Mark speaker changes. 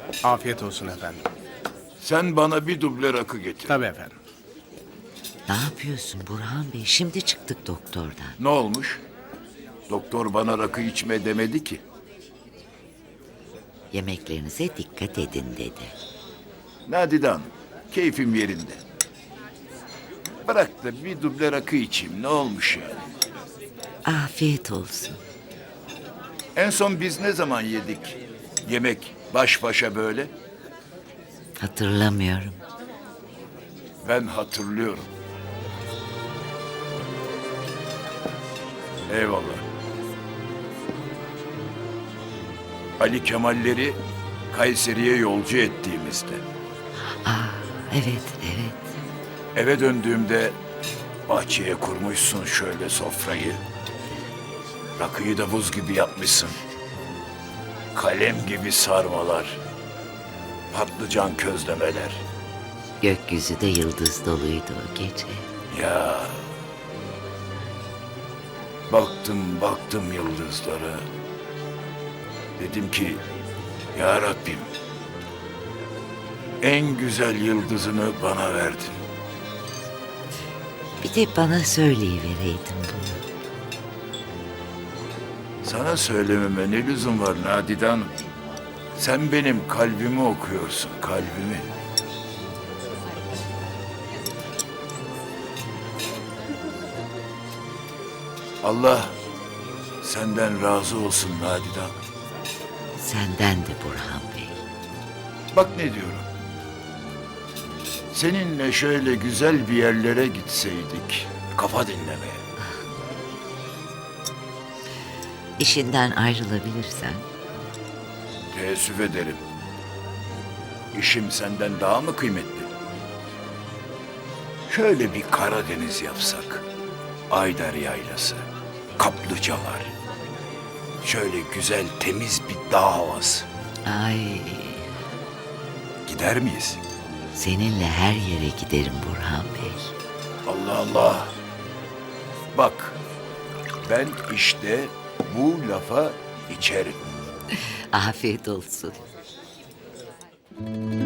Speaker 1: Afiyet olsun efendim.
Speaker 2: Sen bana bir duble rakı getir.
Speaker 1: Tabii efendim.
Speaker 3: Ne yapıyorsun Burhan Bey? Şimdi çıktık doktordan.
Speaker 2: Ne olmuş? Doktor bana rakı içme demedi ki.
Speaker 3: Yemeklerinize dikkat edin dedi.
Speaker 2: Nadide Hanım, keyfim yerinde. Bırak da bir duble rakı içeyim, ne olmuş yani?
Speaker 3: Afiyet olsun.
Speaker 2: En son biz ne zaman yedik? Yemek baş başa böyle.
Speaker 3: Hatırlamıyorum.
Speaker 2: Ben hatırlıyorum. Eyvallah. Ali Kemalleri Kayseri'ye yolcu ettiğimizde.
Speaker 3: Evet, evet.
Speaker 2: Eve döndüğümde bahçeye kurmuşsun şöyle sofrayı. Rakıyı da buz gibi yapmışsın. Kalem gibi sarmalar. Patlıcan közlemeler.
Speaker 3: Gökyüzü de yıldız doluydu o gece.
Speaker 2: Ya. Baktım yıldızlara. Dedim ki ya Rabbim en güzel yıldızını bana verdin.
Speaker 3: Bir de bana söyleyivereydin bunu.
Speaker 2: Sana söylememe ne lüzum var Nadide Hanım? Sen benim kalbimi okuyorsun, kalbimi. Allah senden razı olsun Nadide Hanım.
Speaker 3: Senden de Burhan Bey.
Speaker 2: Bak ne diyorum. Seninle şöyle güzel bir yerlere gitseydik, kafa dinlemeye.
Speaker 3: İşinden ayrılabilirsen
Speaker 2: Teessüf ederim. İşim senden daha mı kıymetli? Şöyle bir Karadeniz yapsak. Ayder Yaylası, kaplıcalar. Şöyle güzel temiz bir dağ havası.
Speaker 3: ay
Speaker 2: Gider miyiz?
Speaker 3: seninle her yere giderim Burhan Bey.
Speaker 2: Allah Allah. Bak, ben işte bu lafa içerim.
Speaker 3: Afiyet olsun.